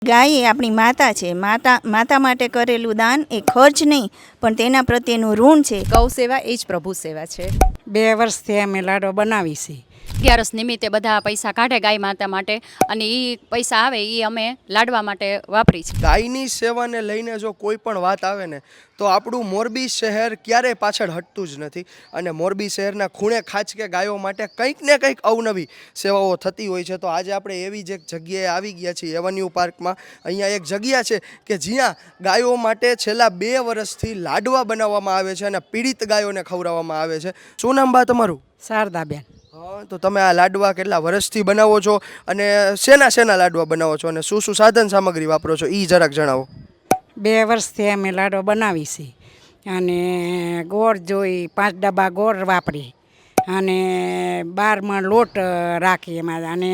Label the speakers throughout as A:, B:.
A: ગાય એ આપણી માતા છે. માતા માટે કરેલું દાન એ ખર્ચ નહીં, પણ તેના પ્રત્યેનું ઋણ છે.
B: ગૌ સેવા એ જ પ્રભુ સેવા છે.
C: 2 વર્ષથી અમે લાડવા બનાવી છીએ.
B: 11 નિમિત્તે બધા પૈસા કાઢે ગાય માતા માટે, અને એ પૈસા આવે એ અમે લાડવા માટે વાપરી છે.
D: ગાયની સેવાને લઈને જો કોઈ પણ વાત આવે ને તો આપણું મોરબી શહેર ક્યારેય પાછળ હટતું જ નથી. અને મોરબી શહેરના ખૂણે ખાંચકે ગાયો માટે કંઈક ને કંઈક અવનવી સેવાઓ થતી હોય છે. તો આજે આપણે એવી જ એક જગ્યાએ આવી ગયા છીએ, એવન્યુ પાર્કમાં. અહીંયા એક જગ્યા છે કે જ્યાં ગાયો માટે છેલ્લા 2 વર્ષથી લાડવા બનાવવામાં આવે છે અને પીડિત ગાયોને ખવડાવવામાં આવે છે. શું નામ બા તમારું?
C: શારદાબેન.
D: હા, તો તમે આ લાડવા કેટલા વર્ષથી બનાવો છો અને શેના લાડવા બનાવો છો અને શું સાધન સામગ્રી વાપરો છો એ જરાક જણાવો.
C: 2 વર્ષથી અમે લાડવા બનાવી છીએ. અને ગોળ જોઈ 5 ડબ્બા ગોળ વાપરી અને 12 મણ લોટ રાખી એમાં, અને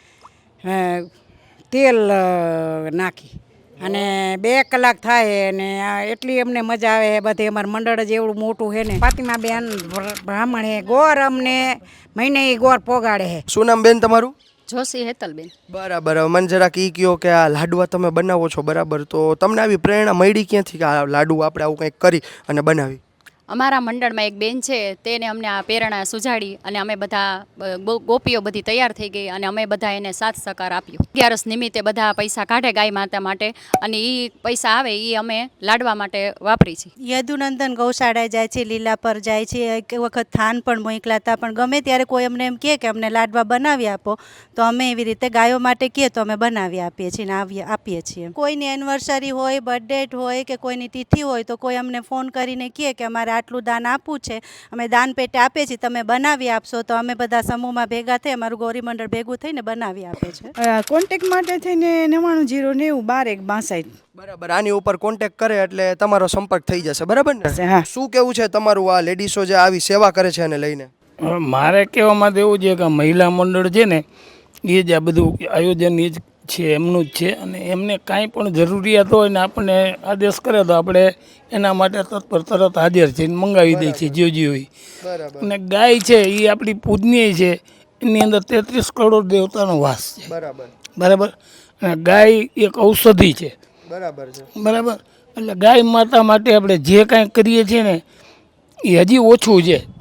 C: તેલ નાખી અને 2 કલાક થાય. અને એટલી અમને મજા આવે. બધે અમારું મંડળ જ એવડું મોટું છે ને. ફાતિમાબેન બ્રાહ્મણ હે, ગોળ અમને મહિને ગોળ પોગાડે છે.
D: શું નામ બેન તમારું?
B: જોશી હેતલબેન.
D: બરાબર. મને જરાક એ કહો કે આ લાડવા તમે બનાવો છો, બરાબર, તો તમને આવી પ્રેરણા મળી ક્યાંથી કે આ લાડુ આપણે આવું કંઈક કરી અને બનાવી?
B: અમારા મંડળમાં એક બેન છે, તેને અમને આ પ્રેરણા સુજાડી અને અમે બધા ગોપીઓ બધી તૈયાર થઈ ગઈ અને અમે બધા એને સાથ સહકાર આપ્યો. 11 નિમિત્તે બધા પૈસા કાઢે ગાય માતા માટે, અને એ પૈસા આવે એ અમે લાડવા માટે વાપરી છે.
A: યદુનંદન ગૌશાળાએ જાય છે, લીલા પર જાય છે. એક વખત થાન પણ મોકલા હતા, પણ ગમે ત્યારે કોઈ અમને એમ કહે કે અમને લાડવા બનાવી આપો, તો અમે એવી રીતે ગાયો માટે કહે તો અમે બનાવી આપીએ છીએ ને આપીએ છીએ. કોઈની એનિવર્સરી હોય, બર્થડે હોય કે કોઈની તિથિ હોય તો કોઈ અમને ફોન કરીને કહે કે અમારે આટલું દાન આપવું છે, અમે દાન પેટે આપીએ છીએ, તમે બનાવી આપશો, તો અમે બધા સમૂહમાં ભેગા થઈ અમારું ગૌરી મંડળ ભેગું થઈને બનાવી આપે છે.
E: કોન્ટેક્ટ માટે થઈને 99 090 12 1 62.
D: બરાબર. આની ઉપર કોન્ટેક્ટ કરે એટલે તમારો સંપર્ક થઈ જશે, બરાબર ને?
E: હા.
D: શું કેવું છે તમારું આ લેડીઝો જે આવી સેવા કરે છે એને લઈને?
F: મારે કહેવામાં તો એવું છે કે મહિલા મંડળ છે ને એ જ આ બધું આયોજન એ જ છે, એમનું જ છે. અને એમને કાંઈ પણ જરૂરિયાત હોય ને આપણને આદેશ કરે તો આપણે એના માટે તરત હાજર છે, મંગાવી દઈએ છીએ જે હોય.
D: બરાબર.
F: અને ગાય છે એ આપણી પૂજનીય છે, એની અંદર 33 કરોડ દેવતાનો વાસ છે. બરાબર. અને ગાય એક ઔષધિ છે.
D: બરાબર છે.
F: બરાબર. એટલે ગાય માતા માટે આપણે જે કાંઈ કરીએ છીએ ને એ હજી ઓછું છે.